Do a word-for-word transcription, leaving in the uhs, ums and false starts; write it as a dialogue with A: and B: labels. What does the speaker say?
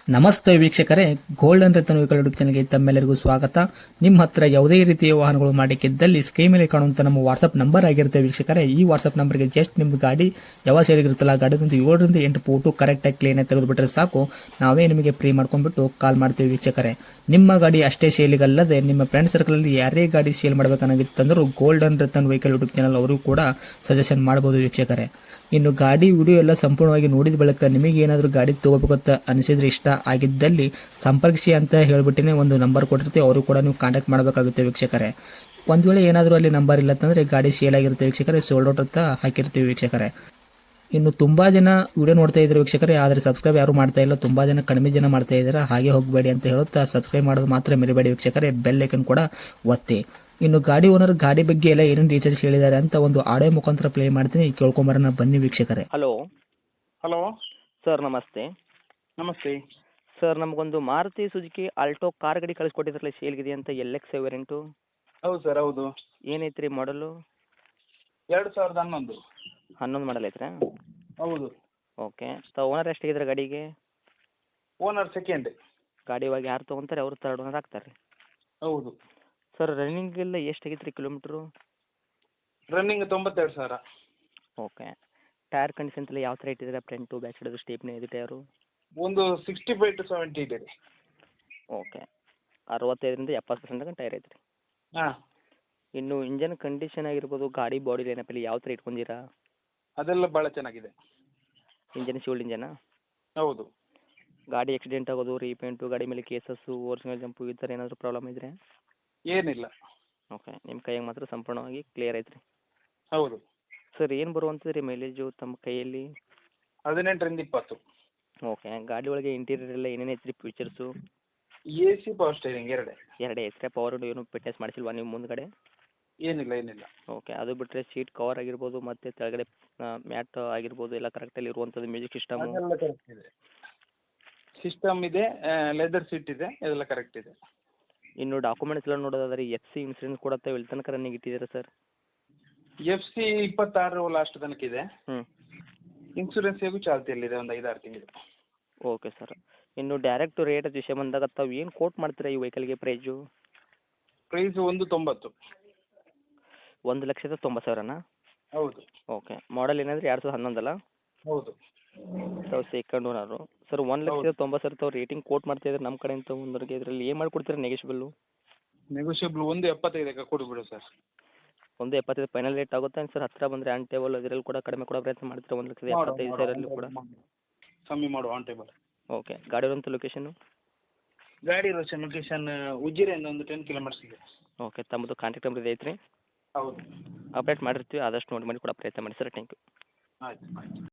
A: ನಮಸ್ತೆ ವೀಕ್ಷಕರೇ, golden Ratan vehicle YouTube ಚಾನಲ್ಗೆ ತಮ್ಮೆಲ್ಲರಿಗೂ ಸ್ವಾಗತ. ನಿಮ್ಮ ಹತ್ರ ಯಾವುದೇ ರೀತಿಯ ವಾಹನಗಳು ಮಾಡಿಕ್ಕಿದ್ದಲ್ಲಿ ಸ್ಕ್ರೀನ್ ಮೇಲೆ ಕಾಣುವಂತ ನಮ್ಮ ವಾಟ್ಸ್ಆಪ್ ನಂಬರ್ ಆಗಿರುತ್ತೆ ವೀಕ್ಷಕರೇ. ಈ ವಾಟ್ಸ್ಆಪ್ ನಂಬರ್ಗೆ ಜಸ್ಟ್ ನಿಮ್ದು ಗಾಡಿ ಯಾವ ಸೇರಿಗಿರುತ್ತಲ್ಲ ಗಾಡಿದಂತ ಏಳರಿಂದ ಎಂಟು ಫೋಟೋ ಕರೆಕ್ಟಾಗಿ ಕ್ಲೀನ್ ಆಗಿ ತೆಗೆದುಬಿಟ್ರೆ ಸಾಕು, ನಾವೇ ನಿಮಗೆ ಫ್ರೀ ಮಾಡ್ಕೊಂಡ್ಬಿಟ್ಟು ಕಾಲ್ ಮಾಡ್ತೀವಿ ವೀಕ್ಷಕರೇ. ನಿಮ್ಮ ಗಾಡಿ ಅಷ್ಟೇ ಸೇಲಿಗಲ್ಲದೆ ನಿಮ್ಮ ಫ್ರೆಂಡ್ ಸರ್ಕಲ್ ಅಲ್ಲಿ ಯಾರೇ ಗಾಡಿ ಸೇಲ್ ಮಾಡಬೇಕನ್ನಾಗಿತ್ತಂದ್ರೂ golden Ratan vehicle YouTube channel ಅವರು ಕೂಡ ಸಜೆಷನ್ ಮಾಡಬಹುದು ವೀಕ್ಷಕರೇ. ಇನ್ನು ಗಾಡಿ ವಿಡಿಯೋ ಎಲ್ಲ ಸಂಪೂರ್ಣವಾಗಿ ನೋಡಿದ ಬಳಿಕ ನಿಮಗೆ ಏನಾದರೂ ಗಾಡಿ ತಗೋಬೇಕಂತ ಅನಿಸಿದ್ರೆ, ಇಷ್ಟ ಆಗಿದ್ದಲ್ಲಿ ಸಂಪರ್ಕಿಸಿ ಅಂತ ಹೇಳ್ಬಿಟ್ಟಿನೇ ಒಂದು ನಂಬರ್ ಕೊಟ್ಟಿರ್ತೀವಿ, ಅವರು ಕೂಡ ನೀವು ಕಾಂಟ್ಯಾಕ್ಟ್ ಮಾಡಬೇಕಾಗುತ್ತೆ ವೀಕ್ಷಕರೇ. ಒಂದು ವೇಳೆ ಏನಾದರೂ ಅಲ್ಲಿ ನಂಬರ್ ಇಲ್ಲ ಅಂತಂದರೆ ಗಾಡಿ ಸೇಲ್ ಆಗಿರುತ್ತೆ ವೀಕ್ಷಕರೇ, ಸೋಲ್ಡ್ ಔಟ್ ಅಂತ ಹಾಕಿರ್ತೀವಿ ವೀಕ್ಷಕರೇ. ಇನ್ನು ತುಂಬ ಜನ ವಿಡಿಯೋ ನೋಡ್ತಾ ಇದ್ದಾರೆ ವೀಕ್ಷಕರೇ, ಆದರೆ ಸಬ್ಸ್ಕ್ರೈಬ್ ಯಾರು ಮಾಡ್ತಾ ಇಲ್ಲ, ತುಂಬ ಜನ ಕಡಿಮೆ ಜನ ಮಾಡ್ತಾ ಇದ್ದಾರೆ. ಹಾಗೆ ಹೋಗಬೇಡಿ ಅಂತ ಹೇಳುತ್ತಾ ಸಬ್ಸ್ಕ್ರೈಬ್ ಮಾಡೋದು ಮಾತ್ರ ಮರಿಬೇಡಿ ವೀಕ್ಷಕರೇ, ಬೆಲ್ ಐಕನ್ ಕೂಡ ಒತ್ತಿ. ಇನ್ನು ಗಾಡಿ ಓನರ್ ಗಾಡಿ ಬಗ್ಗೆ ಎಲ್ಲ ಏನೇನು ಡೀಟೇಲ್ಸ್ ಹೇಳಿದ್ದಾರೆ ಅಂತ ಒಂದು ಆಡಿಯೋ ಮುಖಾಂತರ ಪ್ಲೇ ಮಾಡ್ತೀನಿ, ಕೇಳ್ಕೊಂಬರೋಣ ಬನ್ನಿ ವೀಕ್ಷಕರೇ.
B: ಹಲೋ
C: ಹಲೋ
B: ಸರ್, ನಮಸ್ತೆ.
C: ನಮಸ್ತೆ.
B: ಸರ್, ನಮಗೊಂದು ಮಾರುತಿ ಸುಜುಕಿ ಆಲ್ಟೋ ಕಾರ್ ಗಾಡಿ ಕಳಿಸ್ಕೊಟ್ಟಿದ್ರಲ್ಲ, ಸೇಲ್ಗಿದೆ ಅಂತ, ಎಲ್ ಎಕ್ಸ್ ವೇರಿಯಂಟು.
C: ಹೌದು ಸರ್, ಹೌದು.
B: ಏನೈತೆ ರೀ ಮಾಡಲು?
C: ಎರಡು ಸಾವಿರದ ಹನ್ನೊಂದು.
B: ಹನ್ನೊಂದು ಮಾಡಲ್ ಐತ್ರಾ?
C: ಹೌದು.
B: ಓಕೆ. ತ ಓನರ್ ಎಷ್ಟಾಗಿದ್ರೆ ಗಾಡಿಗೆ?
C: Owner second.
B: ಗಾಡಿ ಇವಾಗ ಯಾರು ತೊಗೊಂತಾರೆ ಅವರು ತರ್ಡ್ ಓನರ್ ಆಗ್ತಾರೆ ರೀ?
C: ಹೌದು.
B: ಸರ್, ರನ್ನಿಂಗ್ ಎಲ್ಲ ಎಷ್ಟಾಗೈತೆ ರೀ ಕಿಲೋಮೀಟ್ರು?
C: ರನ್ನಿಂಗ್ ತೊಂಬತ್ತೆರಡು ಸಾವಿರ.
B: ಓಕೆ. ಟೈರ್ ಕಂಡೀಷನ್ಸ್ ಎಲ್ಲ ಯಾವ ಥರ ಇಟ್ಟಿದ್ದೀರಾ? ಫ್ರಂಟು ಬ್ಯಾಕ್ ಸೈಡ್ ಸ್ಟೇಪ್ನಿ ಇದೆ ಟೈರು?
C: ಒಂದು ಸಿಕ್ಸ್ಟಿ ಫೈವ್ ಟು ಸೆವೆಂಟಿ ಇದೆ ರೀ.
B: ಓಕೆ. ಅರವತ್ತೈದರಿಂದ ಎಪ್ಪತ್ತು ಪರ್ಸೆಂಟ್ ತನಕ ಟೈರ್ ಐತೆ ರೀ.
C: ಹಾಂ.
B: ಇನ್ನು ಇಂಜನ್ ಕಂಡೀಷನ್ ಆಗಿರ್ಬೋದು, ಗಾಡಿ ಬಾಡಿ ಲೈನಪ್ಪಲ್ಲಿ ಯಾವ ಥರ ಇಟ್ಕೊಂಡಿರಾ?
C: ಅದೆಲ್ಲ ಭಾಳ ಚೆನ್ನಾಗಿದೆ.
B: ಇಂಜನ್ ಶಿವಲ್ಡ್ ಇಂಜನಾ?
C: ಹೌದು.
B: ಗಾಡಿ ಆಕ್ಸಿಡೆಂಟ್ ಆಗೋದು, ರೀಪೇಂಟು, ಗಾಡಿ ಮೇಲೆ ಕೇಸಸ್ಸು, ಓರಿಜಿನಲ್ ಜಂಪು ಈ ಥರ ಏನಾದರೂ ಪ್ರಾಬ್ಲಮ್ ಇದ್ದರೆ?
C: ಏನಿಲ್ಲ.
B: ಓಕೆ. ನಿಮ್ಮ ಕೈಯಾಗ ಮಾತ್ರ ಸಂಪೂರ್ಣವಾಗಿ ಕ್ಲಿಯರ್ ಐತೆ ರೀ?
C: ಹೌದು.
B: ಸರ್, ಏನು ಬರುವಂಥದ್ದು ರೀ ಮೈಲೇಜು ತಮ್ಮ ಕೈಯಲ್ಲಿ?
C: ಹದಿನೆಂಟರಿಂದ ಇಪ್ಪತ್ತು.
B: ಓಕೆ. ಗಾಡಿ ಒಳಗೆ ಇಂಟೀರಿಯರ್ ಎಲ್ಲ ಏನೇನು ಐತೆ ರೀ features?
C: A C power steering ಎರಡೇ.
B: ಎರಡೇ ಐತ್ರಿ? ಪವರ್ ಏನು ಫಿಟ್ನೆಸ್ ಮಾಡಿಸಿಲ್ವಾ ನೀವು ಮುಂದ್ಗಡೆ?
C: ಏನಿಲ್ಲ, ಏನಿಲ್ಲ.
B: ಓಕೆ. ಅದು ಬಿಟ್ಟರೆ ಸೀಟ್ ಕವರ್ ಆಗಿರ್ಬೋದು ಮತ್ತು ಕೆಳಗಡೆ ಮ್ಯಾಟ್ ಆಗಿರ್ಬೋದು ಎಲ್ಲ ಕರೆಕ್ಟಲ್ಲಿ ಇರುವಂಥದ್ದು, ಮ್ಯೂಸಿಕ್ ಸಿಸ್ಟಮು
C: ಅದೆಲ್ಲ ಕರೆಕ್ಟ್ ಇದೆ. ಸಿಸ್ಟಮ್ ಇದೆ, ಲೆದರ್ ಸೀಟ್ ಇದೆ, ಅದೆಲ್ಲ ಕರೆಕ್ಟ್ ಇದೆ.
B: ಇನ್ನು ಡಾಕ್ಯುಮೆಂಟ್ಸ್ ಎಲ್ಲ ನೋಡೋದಾದ್ರೆ ಎಫ್ ಸಿ ಇನ್ಸೂರೆನ್ಸ್ ಕೂಡ ಎಲ್ಲಿ ತನಕ ರನ್ನಿಂಗ್ ಇಟ್ಟಿದ್ದೀರಾ ಸರ್?
C: ಎಫ್ ಸಿ ಇಪ್ಪತ್ತಾರು ಲಾಸ್ಟ್ ತನಕ ಇದೆ.
B: ಹ್ಞೂ.
C: ಇನ್ಸೂರೆನ್ಸ್ ಹೇಗೂ ಚಾಲ್ತಿಯಲ್ಲಿದೆ, ಒಂದು ಐದಾರು ತಿಂಗಳು.
B: Okay sir. ಇನ್ನು ಡೈರೆಕ್ಟ್ ರೇಟ್ ವಿಷಯ ಬಂದಾಗ ತಾವು ಏನು ಕೋಟ್ ಮಾಡ್ತೀರಾ ಈ ವೆಹಿಕಲ್ಗೆ ಪ್ರೈಸು?
C: ಪ್ರೈಸ್ ಒಂದು ತೊಂಬತ್ತು.
B: ಒಂದು ಲಕ್ಷದ ತೊಂಬತ್ತು ಸಾವಿರನಾ?
C: ಹೌದು.
B: ಓಕೆ. ಮಾಡಲ್ ಏನಾದರೂ ಎರಡು ಸಾವಿರದ ಹನ್ನೊಂದಲ್ಲ?
C: ಹೌದು.
B: ತಾವು ಸೆಕೆಂಡ್ ಓನರು. ಸರ್, ಒಂದು ಲಕ್ಷದ ತೊಂಬತ್ತು ಸಾವಿರ ತಾವು ರೇಟಿಂಗ್ ಕೋಟ್ ಮಾಡ್ತಾಯಿದ್ರೆ ನಮ್ಮ ಕಡೆಯಿಂದ ಒಂದರಿಗೆ ಇದರಲ್ಲಿ ಏನು ಮಾಡಿಕೊಡ್ತೀರಾ ನೆಗೆಶ್ಬಲ್ಲು?
C: ನೆಗೋಷಿಯಬಲ್ ಒಂದು ಎಪ್ಪತ್ತೈದಕ್ಕೆ ಕೊಡಿಬಿಡು ಸರ್.
B: ಒಂದು ಎಪ್ಪತ್ತೈದು ಫೈನಲ್ ರೇಟ್ ಆಗುತ್ತೆ ಸರ್? ಹತ್ತಿರ ಬಂದರೆ ಆನ್ ಟೇಬಲ್ ಇದರಲ್ಲಿ ಕೂಡ ಕಡಿಮೆ ಕೊಡೋ ಪ್ರಯತ್ನ ಮಾಡ್ತೀರಾ? ಒಂದು ಲಕ್ಷದ ಎಪ್ಪತ್ತೈದು ಸಾವಿರಲ್ಲೂ ಕೂಡ
C: ಕಮ್ಮಿ ಮಾಡುವ ಆನ್ ಟೇಬಲ್.
B: ಓಕೆ. ಗಾಡಿ ಇರುವಂಥ ಲೊಕೇಶನ್ನು?
C: ಗಾಡಿ ಇರೋ ಲೊಕೇಶನ್ ಉಜಿರೆಯಿಂದ ಒಂದು ಟೆನ್ ಕಿಲೋಮೀಟರ್ಸ್ ಇದೆ.
B: ಓಕೆ. ತಮ್ಮದು ಕಾಂಟ್ಯಾಕ್ಟ್ ನಂಬರ್ ಐತೆ ರೀ?
C: ಹೌದು.
B: ಅಪ್ಡೇಟ್ ಮಾಡಿರ್ತೀವಿ, ಆದಷ್ಟು ನೋಡಿ ಮಾಡಿ ಕೊಡೋ ಪ್ರಯತ್ನ ಮಾಡಿ ಸರ್. Thank you.
C: ಆಯ್ತು ಆಯ್ತು.